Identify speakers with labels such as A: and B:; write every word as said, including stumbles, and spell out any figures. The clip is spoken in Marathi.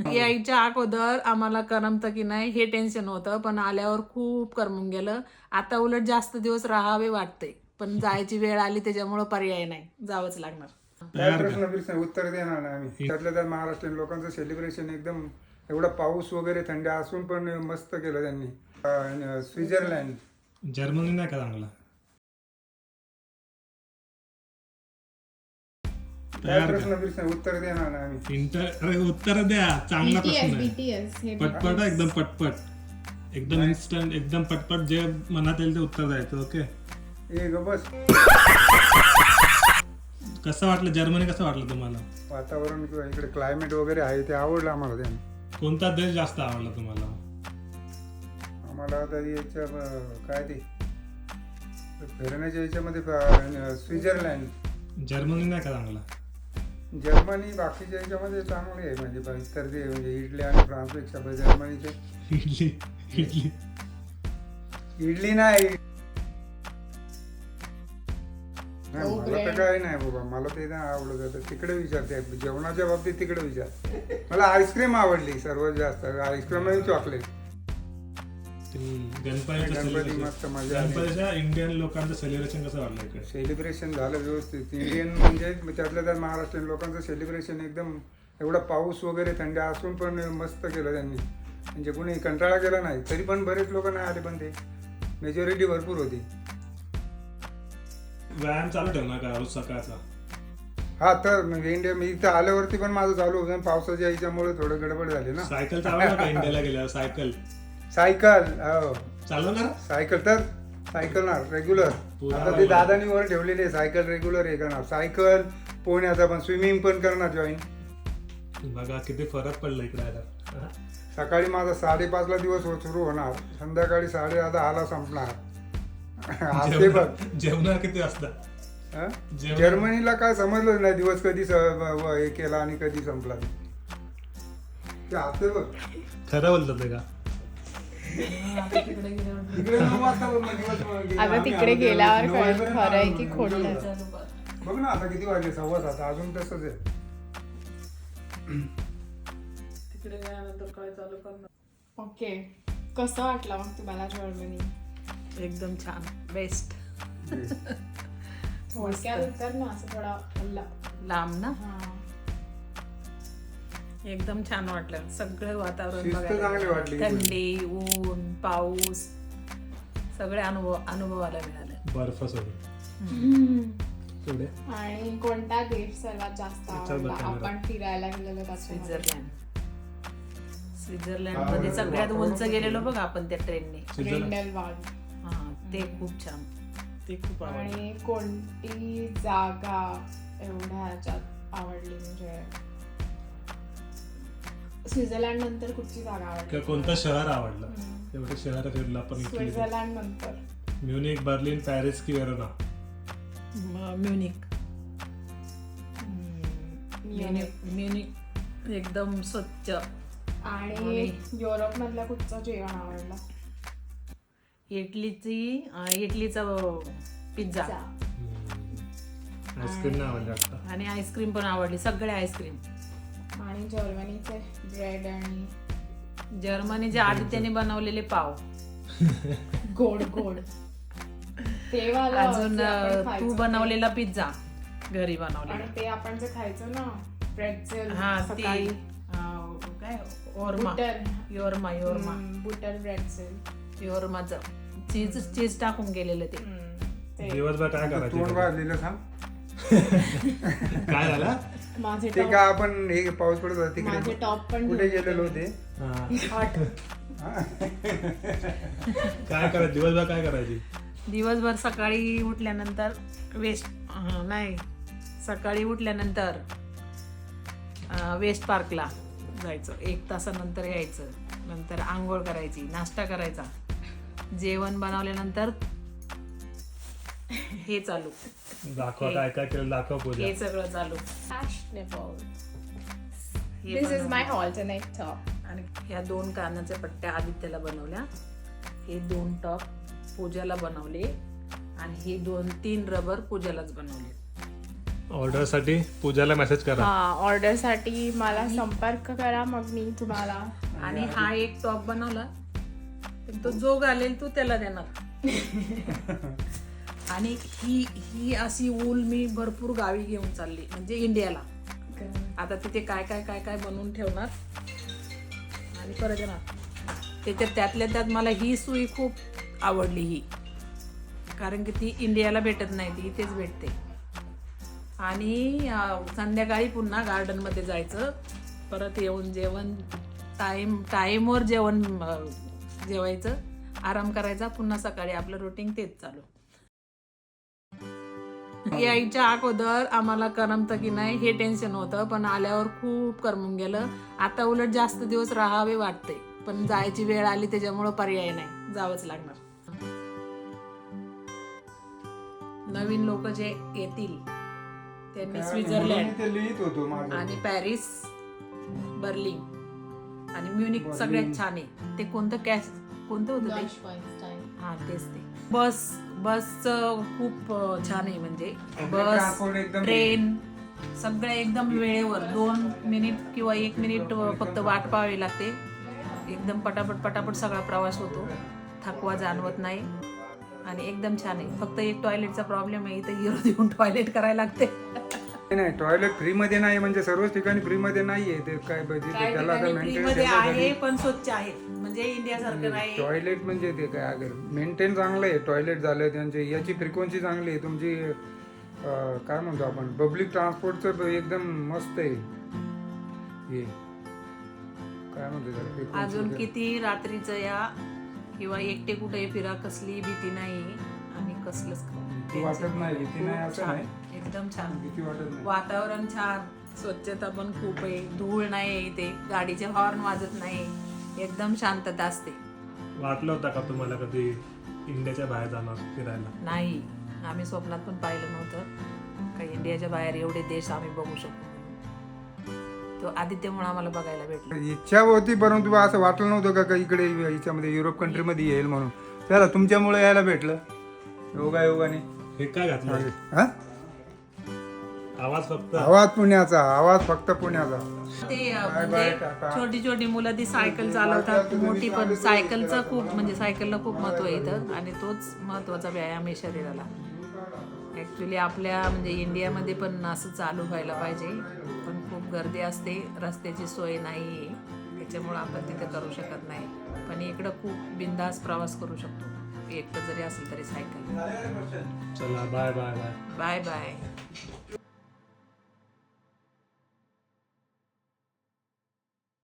A: यायच्या अगोदर आम्हाला करमतं की नाही हे टेन्शन होतं, पण आल्यावर खूप करमून गेलं. आता उलट जास्त दिवस राहावे वाटते, पण जायची वेळ आली त्याच्यामुळे पर्याय नाही, जावंच लागणार.
B: काय प्रश्न प्रश्न उत्तर देणार नाही आम्ही. त्यातल्या त्यात महाराष्ट्रीयन लोकांचं सेलिब्रेशन एकदम एवढा पाऊस वगैरे थंडी असून पण मस्त केलं त्यांनी. अं, स्वित्झर्लंड.
C: जर्मनी नाही का चांगला?
B: काय प्रश्न प्रश्न उत्तर देणार नाही आम्ही.
C: इंटर अरे उत्तर द्या, चांगला प्रश्न आहे.
D: बीटीएस हे
C: पटपट एकदम पटपट एकदम इन्स्टंट एकदम पटपट जे मनात येईल ते उत्तर द्यायचं. ओके,
B: ए ग बस.
C: कसं वाटलं जर्मनी? कसं वाटलं तुम्हाला?
B: वातावरण किंवा इकडे क्लायमेट वगैरे आहे ते आवडलं आम्हाला. त्याने
C: कोणता देश जास्त आवडला तुम्हाला?
B: आम्हाला तरी याच्या अं, काय ते फिरण्याच्या याच्यामध्ये अं, स्वित्झर्लंड.
C: जर्मनी नाही का चांगला?
B: जर्मनी बाकीच्या याच्यामध्ये चांगली आहे म्हणजे पण इतर ते म्हणजे इटली आणि फ्रान्सपेक्षा पण जर्मनीचे.
C: इडली इडली
B: इडली नाही नाही, मला तर काय नाही बाबा, मला ते नाही आवडत. आता तिकडे विचारते जेवणाच्या बाबतीत, तिकडे विचार. मला आईस्क्रीम आवडली सर्वात जास्त, आईस्क्रीम आणि चॉकलेट.
C: गणपतीचं
B: गणपती
C: celebration-
B: मस्त मजा आली.
C: गणपतीच्या इंडियन लोकांचं सेलिब्रेशन कसं वाटलं इकडे?
B: सेलिब्रेशन झालं व्यवस्थित. इंडियन म्हणजे त्यातल्या त्यात महाराष्ट्रीयन लोकांचं सेलिब्रेशन एकदम एवढा पाऊस वगैरे थंडी असून पण मस्त केलं त्यांनी. म्हणजे कोणी कंटाळा केला नाही. तरी पण बरेच लोक नाही आले, पण ते मेजॉरिटी भरपूर होती.
C: व्यायाम चालू ठेवणार का रोज सकाळचा?
B: हा तर म्हणजे इंडिया मी इथं आल्यावरती पण माझं चालू होतं. पावसाच्या याच्यामुळे थोडं गडबड झाली ना.
C: सायकल चालवणार का इंडियाला गेल्यावर? सायकल
B: सायकल हो
C: चालवणार?
B: सायकल तर सायकल ना रेग्युलर.
C: पुरा
B: आता ते दादानी वर ठेवलेली आहे सायकल रेग्युलर हे करणार. सायकल पोहण्याचा पण, स्विमिंग पण करणार जॉईन.
C: बघा किती फरक पडला इकडे आता.
B: सकाळी माझा साडेपाचला दिवस हो- सुरू होणार, संध्याकाळी साडे दहाला संपणार. असते बघ.
C: जेवणार किती वाजता?
B: हं?
C: जेवण-
B: जर्मनीला काय समजलं नाही दिवस कधी स- व- व- हे केला आणि कधी संपला ते असते बघ.
C: खरं बोलतात ते का?
B: तिकडे नऊ वाजता बघ, मग दिवस मग गेला.
D: आता
B: आम्ही
D: तिकडे
B: आलो
D: गेल्यावर
B: नऊ
D: कळेल
B: वाजेपर्यंत
D: खरं आहे
B: आलो.
D: की खोटं आहे.
B: बघ ना आता किती वाजले, सव्वा सात. अजून तसंच आहे.
A: तिकडे गेल्यानंतर काय चालू करणार?
D: ओके, कसं वाटलं मग तुम्हाला जर्मनी?
A: एकदम छान, बेस्ट.
D: थोडक्यात उत्तर ना असं थोडा
A: लांब ना,
D: हा.
A: एकदम छान वाटलं. सगळं वातावरण
B: शिस्त
A: बघायला
B: चांगली
A: मिळालं.
B: वाटली.
A: थंडी, ऊन, पाऊस सगळे अनुभव अनुभवायला मिळाले.
C: बर्फ सोडून थोडे.
D: आणि कोणता देश सर्वात जास्त आवडला
C: बघा जरा.
D: आपण फिरायला गेलेलो त्याच्यामध्ये?
A: स्वित्झर्लंड. स्वित्झर्लंड मध्ये सगळ्यात उंच गेलेलो बघ आपण त्या ट्रेनने.
D: ग्रिंडेलवाल्ड.
A: हा, ते खूप छान, ते खूप आवडलं.
D: आणि कोणती जागा एवढ्या ह्याच्यात आवडली म्हणजे स्वित्झर्लंड नंतर कुठची जागा आवडली?
C: किंवा कोणतं शहर आवडलं? एवढे शहर फिरलं आपण इटली.
D: स्वित्झर्लंड नंतर
C: म्युनिक, बर्लिन, पॅरिस की वेरोना?
A: म- म्युनिक. म्युनिक म्युनिक एकदम स्वच्छ.
D: आणि युरोप मधलं कुठचं जेवण आवडलं?
A: इटलीची अं, इटलीचा पिझ्झा
C: आईस्क्रीम नाही आवडलं वाटतं.
A: आणि आईस्क्रीम पण आवडली, सगळे आईस्क्रीम.
D: आणि जर्मनीचे ब्रेड आणि
A: जर्मनीच्या आदित्याने बनवलेले पाव.
D: गोड गोड ते वालं
A: अजून
D: जे आपण
A: अं,
D: खायचो
A: तू
D: ते.
A: बनवलेला पिझ्झा घरी
D: आणि
A: बनवलेला.
D: ते आपण जे खायचो ना प्रेट्झेल
A: हा ते
D: सकाळी.
A: अं, काय ओरमा
D: बुटर
A: योरमा योरमा
D: बुटर प्रेट्झेल.
A: योरमाचं चीज चीज टाकून गेलेलं ते.
D: ते
C: दिवसभर काय
B: तोंड
C: करायचं?
B: वाजलेलं सांग.
C: काय झालं?
D: माझे
B: ते
D: टॉप
B: का आपण हे पाऊस पडत होता
D: माझे
B: तिकडे
D: टॉप पण
B: कुठे
D: घेऊन
B: गेलेलो
D: होते.
B: होते.
C: हा.
B: हा.
C: काय करायचं दिवसभर? काय करायची?
A: दिवसभर सकाळी उठल्यानंतर वेस्ट अं, नाही सकाळी उठल्यानंतर अं, वेस्ट पार्कला जायचं, एक तासानंतर यायचं, नंतर आंघोळ करायची, नाश्ता करायचा, जेवण बनवल्यानंतर हे चालू,
C: दाखवा काय काय केलं, दाखव पूजा.
A: हे सगळं चालू.
D: Fashionable.
A: हे
D: This is
A: बनवलं.
D: my alternate top.
A: आणि ह्या दोन कानाच्या पट्ट्या आदित्यला बनवल्या, हे दोन टॉप पूजाला बनवले आणि हे दोन तीन रबर पूजालाच बनवले.
C: ऑर्डरसाठी पूजाला मेसेज करा.
D: हा ऑर्डरसाठी मला संपर्क करा, मग मी तुम्हाला.
A: आणि हा एक टॉप बनवला पण तो जो घालेल तू त्याला देणार. आणि ही ही अशी ऊल मी भरपूर गावी घेऊन चालली, म्हणजे इंडियाला. आता तिथे काय काय काय काय बनवून ठेवणार आणि परत येणार. त्याच्यात त्यातल्या त्यात मला ही सुई खूप आवडली ही, कारण की ती इंडियाला भेटत नाही, ती इथेच भेटते. आणि अं, संध्याकाळी पुन्हा गार्डनमध्ये जायचं, परत येऊन जेवण टाईम टाईमवर जेवण अं, जेवायचं, आराम करायचा, पुन्हा सकाळी आपलं रुटीन तेच चालू. यायच्या अगोदर आम्हाला करमतं की नाही हे टेन्शन होतं, पण आल्यावर खूप करमून गेलं. आता उलट जास्त दिवस राहावे वाटते, पण जायची वेळ आली त्याच्यामुळं पर्याय नाही, जावंच लागणार. नवीन लोक जे येतील त्यांनी स्वित्झर्लंड
B: ते लिहित होतो माझं.
A: आणि पॅरिस, बर्लिन आणि म्युनिक सगळ्यात छान आहे. ते कोणतं कॅश कोणतं होतं ते? हा तेच ते. बस बसचं खूप अं, छान आहे, म्हणजे बस
B: ट्रान्सपोर्ट एकदम
A: ट्रेन सगळं एकदम वेळेवर. दोन मिनिट किंवा एक मिनिट फक्त वाट पाहावी लागते. एकदम पटापट पटापट सगळा प्रवास होतो, थकवा जाणवत नाही आणि एकदम छान आहे. फक्त एक टॉयलेटचा प्रॉब्लेम आहे, इथं हिरो देऊन टॉयलेट करायला लागते.
B: नाही टॉयलेट फ्री मध्ये नाही, म्हणजे सर्वच ठिकाणी फ्री मध्ये नाहीये ते. काय बघितलं
A: काही
B: त्याला आता
A: ठिकाणी free मध्ये आहे पण स्वच्छ आहे, म्हणजे इंडियासारखं नाही.
B: टॉयलेट म्हणजे ते काय अगर मेंटेन चांगलं आहे, टॉयलेट झालं त्यांचे, याची फ्रिक्वेन्सी चांगली आहे तुमची. अं, काय म्हणतो आपण पब्लिक ट्रान्सपोर्टचं एकदम मस्त आहे हे. काय म्हणतो त्याला frequency
A: अजून
B: वगैरे.
A: किती रात्रीचं या किंवा एकटे कुठे फिरा, कसली भीती नाही आणि कसलंच
B: भीती वाटत नाही, भीती नाही असं
A: छान,
B: नाही,
A: एकदम छान.
B: भीती वाटत नाही.
A: वातावरण छान, स्वच्छता पण खूप आहे, धूळ नाही आहे इथे, गाडीचे हॉर्न वाजत नाही, एकदम शांतता असते.
C: वाटलं होतं का तुम्हाला कधी इंडियाच्या बाहेर जाणार फिरायला?
A: नाही, आम्ही स्वप्नात पण पाहिलं नव्हतं का इंडियाच्या बाहेर एवढे देश आम्ही बघू शकतो. तो आदित्यमुळे आम्हाला बघायला भेटलं.
B: इच्छा होती, परंतु असं वाटलं नव्हतं का का इकडे याच्यामध्ये युरोप कंट्रीमध्ये येईल म्हणून. त्याला तुमच्यामुळे यायला भेटलं, योगा योगाने.
C: हे काय घातलं?
B: हा?
C: आवाज फक्त
B: आवाज पुण्याचा, आवाज फक्त पुण्याचा.
A: ते अं,
B: बाय
A: म्हणजे
B: बाय, टाटा.
A: छोटी छोटी मुलं ती सायकल चालवतात, मोठी पण. सायकलचं खूप म्हणजे सायकलला खूप महत्व आहे इथं, आणि तोच महत्वाचा व्यायाम आहे शरीराला. ॲक्च्युली आपल्या म्हणजे इंडियामध्ये पण असं चालू व्हायला पाहिजे, पण खूप गर्दी असते, रस्त्याची सोय नाही आहे, त्याच्यामुळं आपण तिथे करू शकत नाही. पण इकडं खूप बिंदास प्रवास करू शकतो, एकटं जरी असेल तरी सायकल.
C: चला bye bye bye
A: bye bye.